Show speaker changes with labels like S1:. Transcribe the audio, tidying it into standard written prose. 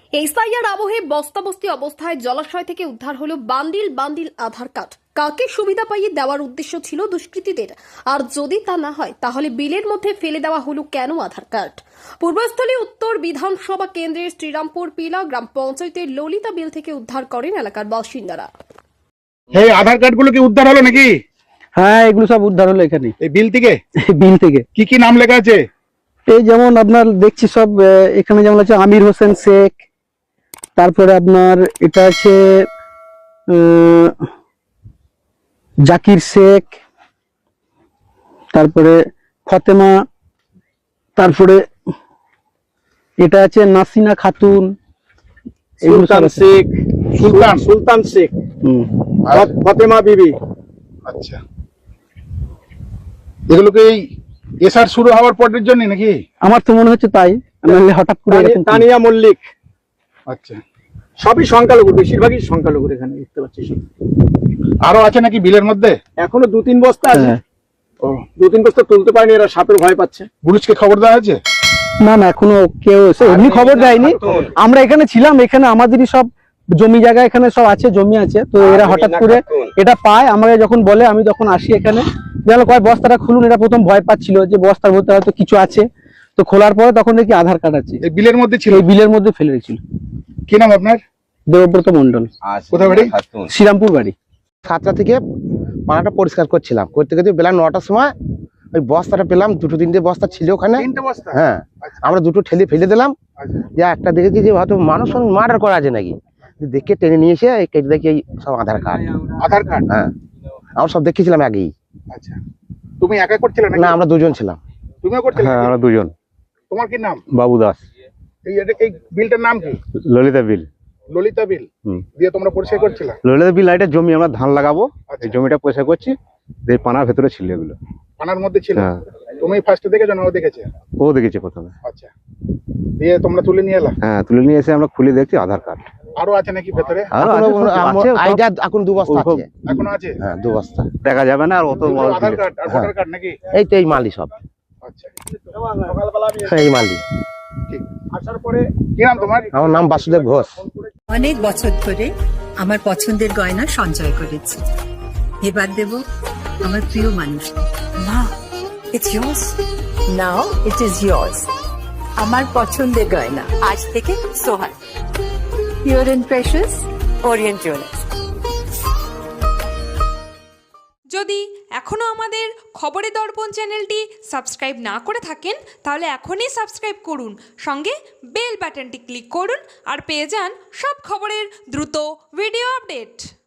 S1: SIR আবহে বস্তাবস্তি অবস্থায় জলাশয় থেকে উদ্ধার হলো বান্ডিল বান্ডিল আধার কার্ড। কাকে সুবিধা পাইয়ে দেওয়ার উদ্দেশ্য ছিল দুষ্কৃতীদের? আর যদি তা না হয় তাহলে বিলের মধ্যে ফেলে দেওয়া হলো কেন আধার কার্ড? পূর্বস্থলী উত্তর বিধানসভা কেন্দ্রের শ্রীরামপুর পিলা গ্রাম পঞ্চায়েতের ললিতা বিল থেকে উদ্ধার করেন এলাকার বাসিন্দারা।
S2: এই আধার কার্ড গুলো কি উদ্ধার হলো নাকি?
S3: হ্যাঁ, এগুলো সব উদ্ধার হলো এখানে
S2: এই বিল থেকে।
S3: বিল থেকে
S2: কি কি নাম লেখা আছে?
S3: এই যেমন আপনার দেখছি সব এখানে যেমন আছে আমির হোসেন শেখ, তারপরে আপনার এটা আছে জাকির শেখ, তারপরে ফতেমা, তারপরে এটা আছে নাসিনা খাতুন, এগুলো সব
S2: সুলতান
S3: আছে।
S2: শেখ, সুলতান শেখ, ফতেমা বিবি। আচ্ছা, এগুলো কি এসআর শুরু হওয়ার পরের জন্য নাকি?
S3: আমার তো মনে হচ্ছে তাই, নাহলে হঠাৎ করে এরকম
S2: তানিয়া মল্লিক। আচ্ছা, সবই সংখ্যালঘু, বেশিরভাগই সংখ্যালঘু এখানে দেখতে পাচ্ছি। আরো আছে নাকি বিলের মধ্যে? এখনো 2-3 বস্তা আছে।
S3: হ্যাঁ।
S2: ও, 2-3 বস্তা তুলতে পারেনি, এরা সাপের ভয় পাচ্ছে। পুলিশকে খবর দেওয়া হয়েছে?
S3: না না, এখনো কেউ এমনি খবর দেয়নি। আমরা এখানে ছিলাম, এখানে আমাদেরই সব জমি জায়গা এখানে সব আছে, জমি আছে, তো এরা হঠাৎ করে এটা পায়, আমাকে যখন বলে আমি তখন আসি এখানে, জানো কয় বস্তাটা খুলুন। এরা প্রথম ভয় পাচ্ছিল যে বস্তার মধ্যে হয়তো কিছু আছে, তো খোলার পরে তখন দেখি আধার কার্ড আছে।
S2: এই বিলের মধ্যে ছিল?
S3: এই বিলের মধ্যে ফেলে রেখেছিল।
S2: কি নাম আপনার?
S3: দেবব্রত মন্ডল।
S2: কোথায় বাড়ি?
S3: শ্রীরামপুর বাড়ি।
S4: 7টা থেকে পানাটা পরিষ্কার করছিলাম, করতে করতে বেলা 9টার সময় ওই বস্তাটা পেলাম। 2-3টে বস্তা ছিল ওখানে।
S2: 3টে বস্তা?
S4: হ্যাঁ, আমরা দুটো ঠেলে ফেলে দিলাম। যে একটা দেখেছি যে হয়তো মানুষ মার্ডার করা আছে নাকি, দেখে টেনে নিয়ে এসে কেটে দেখি এই সব আধার কার্ড।
S2: আধার কার্ড?
S4: হ্যাঁ, আমরা সব দেখেছিলাম আগেই।
S2: আচ্ছা, তুমি একা করছিলে নাকি?
S4: না, আমরা দুজন ছিলাম।
S2: তুমিও করছিলে?
S5: হ্যাঁ, আমরা দুজন।
S2: তোমার কি নাম?
S5: বাবু দাস।
S2: এই বিলটার নাম কি?
S5: ললিতা বিল।
S2: ললিতা বিল দিয়ে তোমরা পরিষ্কার করছিলে?
S5: ললিতা বিল এটা জমি, আমরা ধান লাগাবো,
S2: আচ্ছা।
S5: এই জমিটা পয়সা করছি, এই পানার ভেতরে ছিল এগুলো।
S2: পানার মধ্যে ছিল?
S5: হ্যাঁ।
S2: তুমি ফার্স্টে দেখেছো না ও দেখেছে?
S5: ও দেখেছে প্রথমে।
S2: আচ্ছা, দিয়ে তোমরা তুলে নিয়ে এলা?
S5: হ্যাঁ, তুলে নিয়ে এসে আমরা খুলে দেখছি আধার কার্ড।
S2: আরো আছে নাকি ভেতরে?
S5: আরো আছে, সব আছে, সব
S4: আইডিয়া এখন 2 বস্তা
S5: ওসব
S4: আছে।
S2: এখনো আছে?
S4: হ্যাঁ, 2 বস্তা।
S5: দেখা যাবে না আর অত বড়
S2: আধার
S5: বিল।
S2: কার্ড আর ভোটার কার্ড নাকি?
S4: এই তো এই মালি সব।
S2: আচ্ছা,
S4: হ্যাঁ, এই মালি।
S2: ঠিক। আসার পরে কি নাম তোমার?
S4: আমার নাম বাসুদেব ঘোষ।
S6: অনেক বছর ধরে আমার পছন্দের গয়না সঞ্চয় করেছি, এবার দেব আমার প্রিয় মানুষ। মা, it's yours. Now it is yours. আমার পছন্দের গয়না আজ থেকে Sohan, pure and precious, Orient jewellers.
S7: যদি এখনও আমাদের খবরের দর্পণ চ্যানেলটি সাবস্ক্রাইব না করে থাকেন তাহলে এখনই সাবস্ক্রাইব করুন, সঙ্গে বেল বাটনটি ক্লিক করুন আর পেয়ে যান সব খবরের দ্রুত ভিডিও আপডেট।